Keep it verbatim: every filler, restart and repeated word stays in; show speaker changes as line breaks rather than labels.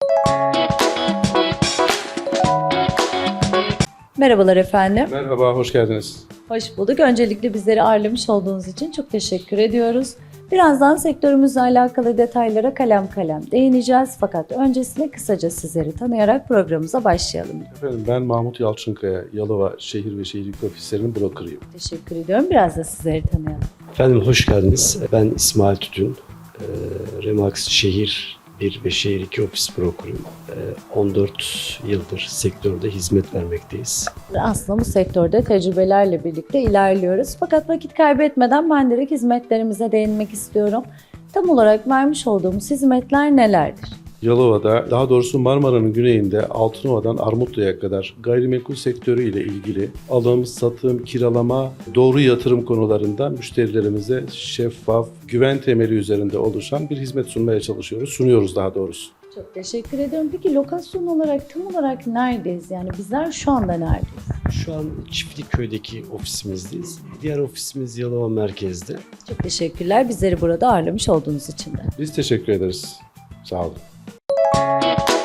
Merhabalar efendim.
Merhaba, hoş geldiniz.
Hoş bulduk. Öncelikle bizleri ağırlamış olduğunuz için çok teşekkür ediyoruz. Birazdan sektörümüzle alakalı detaylara kalem kalem değineceğiz. Fakat öncesinde kısaca sizleri tanıyarak programımıza başlayalım.
Efendim ben Mahmut Yalçınkaya, Yalova Şehir ve Şehircilik Ofislerinin brokerıyım.
Teşekkür ediyorum. Biraz da sizleri tanıyalım.
Efendim hoş geldiniz. Ben İsmail Tütün. E, Remax Şehir bir ve Şehir iki ofis brokeruyum. E, on dört yıldır sektörde hizmet vermekteyiz.
Aslında bu sektörde tecrübelerle birlikte ilerliyoruz. Fakat vakit kaybetmeden ben direkt hizmetlerimize değinmek istiyorum. Tam olarak vermiş olduğumuz hizmetler nelerdir?
Yalova'da, daha doğrusu Marmara'nın güneyinde Altınova'dan Armutlu'ya kadar gayrimenkul sektörü ile ilgili alım, satım, kiralama, doğru yatırım konularında müşterilerimize şeffaf, güven temeli üzerinde oluşan bir hizmet sunmaya çalışıyoruz, sunuyoruz daha doğrusu.
Çok teşekkür ediyorum. Peki lokasyon olarak tam olarak neredeyiz? Yani bizler şu anda neredeyiz?
Şu an Çiftlikköy'deki ofisimizdeyiz. Diğer ofisimiz Yalova merkezde.
Çok teşekkürler bizleri burada ağırlamış olduğunuz için de.
Biz teşekkür ederiz. Sağ olun.